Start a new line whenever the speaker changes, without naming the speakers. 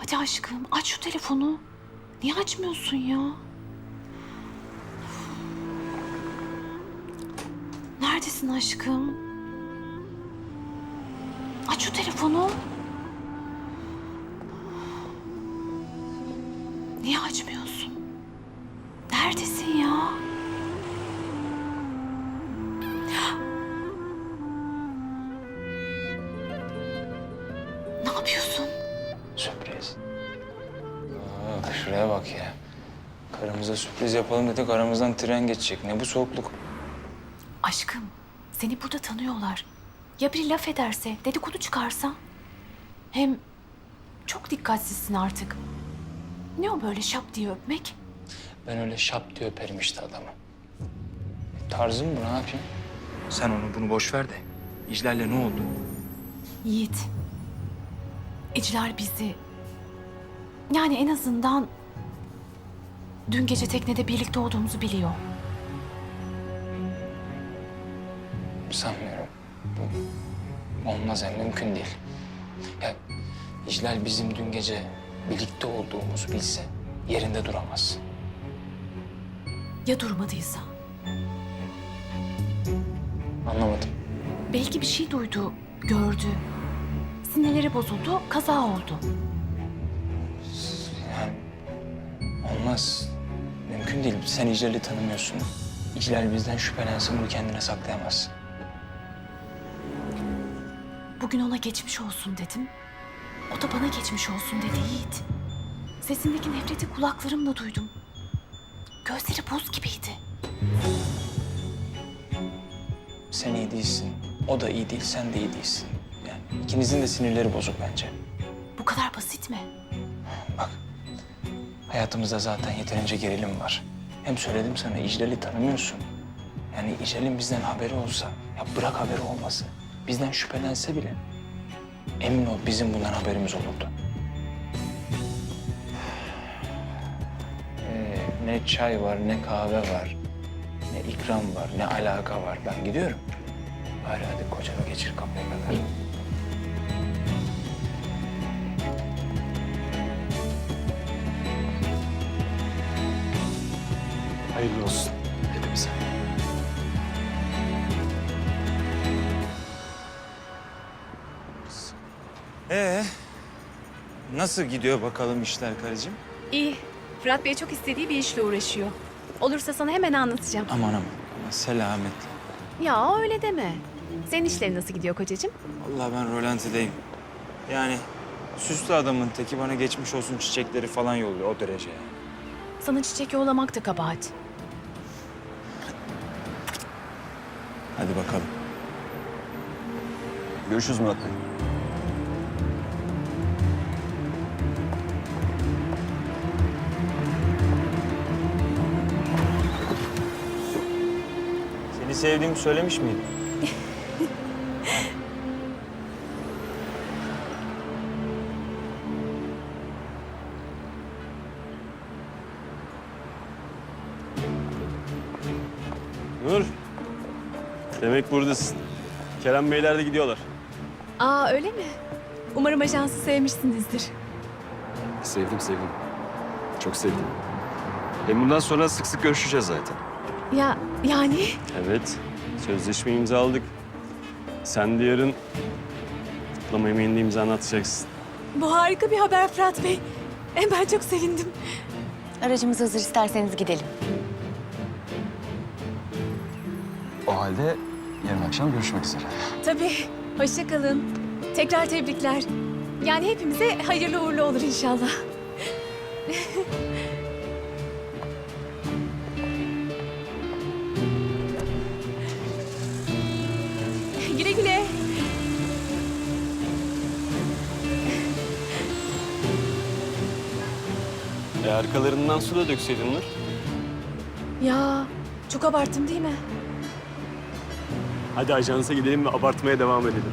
Hadi aşkım aç şu telefonu. Niye açmıyorsun ya? Neredesin aşkım? Aç şu telefonu. Niye açmıyorsun? Neredesin ya? Ne yapıyorsun?
Sürpriz. Şuraya bak ya. Karımıza sürpriz yapalım dedik, aramızdan tren geçecek. Ne bu soğukluk?
Aşkım, seni burada tanıyorlar. Ya biri laf ederse, dedikodu çıkarsa? Hem çok dikkatsizsin artık. Ne o böyle şap diye öpmek?
Ben öyle şap diye öperim işte adamı. Tarzım bu, ne yapayım? Sen onu bunu boş ver de. İclal'le ne oldu?
Yiğit, İclal bizi... Yani en azından... Dün gece teknede birlikte olduğumuzu biliyor.
Sanmıyorum. Bu olmaz yani, mümkün değil. Ya İclal bizim dün gece birlikte olduğumuzu bilse yerinde duramaz.
Ya durmadıysa?
Anlamadım.
Belki bir şey duydu, gördü. Sinirleri bozuldu, kaza oldu.
Yani olmaz. Mümkün değil. Sen İclal'i tanımıyorsun. İclal bizden şüphelensin, bunu kendine saklayamazsın.
Bugün ona geçmiş olsun dedim. O da bana geçmiş olsun dedi Yiğit. Sesindeki nefreti kulaklarımla duydum. Gözleri buz gibiydi.
Sen iyi değilsin. O da iyi değil, sen de iyi değilsin. Yani ikinizin de sinirleri bozuk bence.
Bu kadar basit mi?
Bak, hayatımızda zaten yeterince gerilim var. Hem söyledim sana, İclal'i tanımıyorsun. Yani İclal'in bizden haberi olsa, ya bırak haberi olması, bizden şüphelense bile... emin ol bizim bundan haberimiz olurdu. Ne çay var, ne kahve var, ne ikram var, ne alaka var. Ben gidiyorum. Bari hadi kocanı geçir kapıya kadar.
Hayırlı olsun hepimize.
Nasıl gidiyor bakalım işler karıcığım?
İyi. Fırat Bey çok istediği bir işle uğraşıyor. Olursa sana hemen anlatacağım.
Aman aman, selametle.
Ya öyle deme. Senin işlerin nasıl gidiyor kocacığım?
Vallahi ben rolantideyim. Yani süslü adamın teki, bana geçmiş olsun çiçekleri falan yolluyor, o derece yani.
Sana çiçek yollamak da kabahat.
Hadi bakalım.
Görüşürüz Murat Bey.
Seni sevdiğimi söylemiş miydim?
Nur. Demek buradasın. Kerem Beyler de gidiyorlar.
Aa öyle mi? Umarım ajansı sevmişsinizdir.
Sevdim. Çok sevdim. Hem bundan sonra sık sık görüşeceğiz zaten.
Ya yani?
Evet. Sözleşme imzaladık. Sen de yarın kutlama yemeğinde imzanı atacaksın.
Bu harika bir haber Fırat Bey. Ben çok sevindim.
Aracımız hazır, isterseniz gidelim.
O halde yarın akşam görüşmek üzere.
Tabii. Hoşça kalın. Tekrar tebrikler. Yani hepimize hayırlı uğurlu olur inşallah. Güle güle.
Arkalarından su da dökseydin Nur.
Ya çok abarttım değil mi?
Hadi ajansa gidelim ve abartmaya devam edelim.